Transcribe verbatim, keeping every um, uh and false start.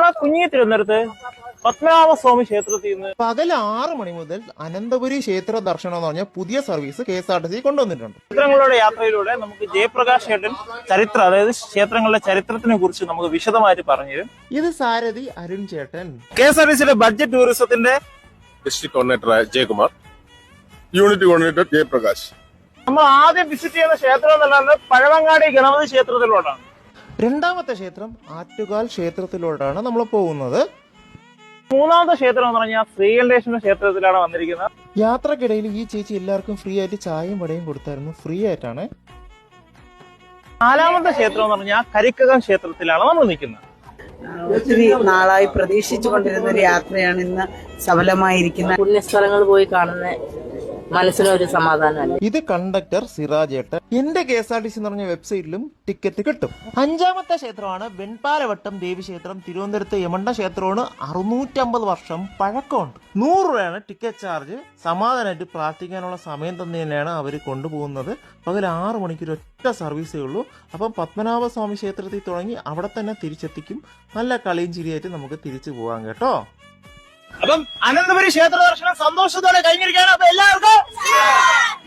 നമ്മുടെ കുഞ്ഞി തിരുവനന്തപുരത്ത് പത്മനാഭസ്വാമി ക്ഷേത്രത്തിൽ നിന്ന് പകൽ ആറ് മണി മുതൽ അനന്തപുരി ക്ഷേത്ര ദർശനം എന്ന് പറഞ്ഞ പുതിയ service K S R T C കൊണ്ടുവന്നിട്ടുണ്ട്. ക്ഷേത്രങ്ങളുടെ യാത്രയിലൂടെ നമുക്ക് ജയപ്രകാശ് ഏട്ടൻ ചരിത്രം, അതായത് ക്ഷേത്രങ്ങളുടെ ചരിത്രത്തിനെ കുറിച്ച് നമുക്ക് വിശദമായിട്ട് പറഞ്ഞു തരും. ഇത് സാരഥി അരുൺ ചേട്ടൻ. കെ എസ് ആർ ടി സിയുടെ ബഡ്ജറ്റ് ടൂറിസത്തിന്റെ district coordinator Jayakumar, unit coordinator Jayaprakash. നമ്മൾ ആദ്യം വിസിറ്റ് ചെയ്യുന്ന ക്ഷേത്രം എന്ന് പറയുന്നത് പഴവങ്ങാടി ഗണപതി ക്ഷേത്രത്തിലോട്ടാണ്. രണ്ടാമത്തെ ക്ഷേത്രം ആറ്റുകാൽ ക്ഷേത്രത്തിലോട്ടാണ് നമ്മൾ പോകുന്നത്. മൂന്നാമത്തെ ക്ഷേത്രം എന്ന് പറഞ്ഞാൽ ശ്രീകണ്ഠേശ്വര ക്ഷേത്രത്തിലാണ് വന്നിരിക്കുന്നത്. യാത്രക്കിടയിൽ ഈ ചേച്ചി എല്ലാവർക്കും ഫ്രീ ആയിട്ട് ചായയും വടയും കൊടുത്തായിരുന്നു. ഫ്രീ ആയിട്ടാണ്. നാലാമത്തെ ക്ഷേത്രം എന്ന് പറഞ്ഞാൽ കരിക്കകം ക്ഷേത്രത്തിലാണ് നമ്മൾ നിൽക്കുന്നത്. ഒത്തിരി നാളായി പ്രതീക്ഷിച്ചു കൊണ്ടിരുന്ന ഒരു യാത്രയാണ് ഇന്ന് സഫലമായിരിക്കുന്നത്. പുണ്യസ്ഥലങ്ങൾ പോയി കാണുന്ന മനസ്സിനൊരു സമാധാനമല്ല. ഇത് കണ്ടക്ടർ സിറാജേട്ടൻ. എന്റെ K S R T C എന്ന് പറഞ്ഞ വെബ്സൈറ്റിലും ടിക്കറ്റ് കിട്ടും. അഞ്ചാമത്തെ ക്ഷേത്രമാണ് വെൺപാലവട്ടം ദേവി ക്ഷേത്രം. തിരുവനന്തപുരത്ത് യമണ്ട ക്ഷേത്രമാണ്. അറുന്നൂറ്റമ്പത് വർഷം പഴക്കമുണ്ട്. നൂറ് രൂപയാണ് ടിക്കറ്റ് ചാർജ്. സമാധാനമായിട്ട് പ്രാർത്ഥിക്കാനുള്ള സമയം തന്നെയാണ് അവർ കൊണ്ടുപോകുന്നത്. പകൽ ആറ് മണിക്കൂർ ഒറ്റ സർവീസേ ഉള്ളൂ. അപ്പം പത്മനാഭസ്വാമി ക്ഷേത്രത്തിൽ തുടങ്ങി അവിടെ തന്നെ തിരിച്ചെത്തിക്കും. നല്ല കളിയും ചിരിയായിട്ട് നമുക്ക് തിരിച്ചു പോകാം കേട്ടോ. അപ്പം അനന്തപുരി ക്ഷേത്ര ദർശനം സന്തോഷത്തോടെ കഴിഞ്ഞിരിക്കുകയാണ്. അപ്പൊ എല്ലാവർക്കും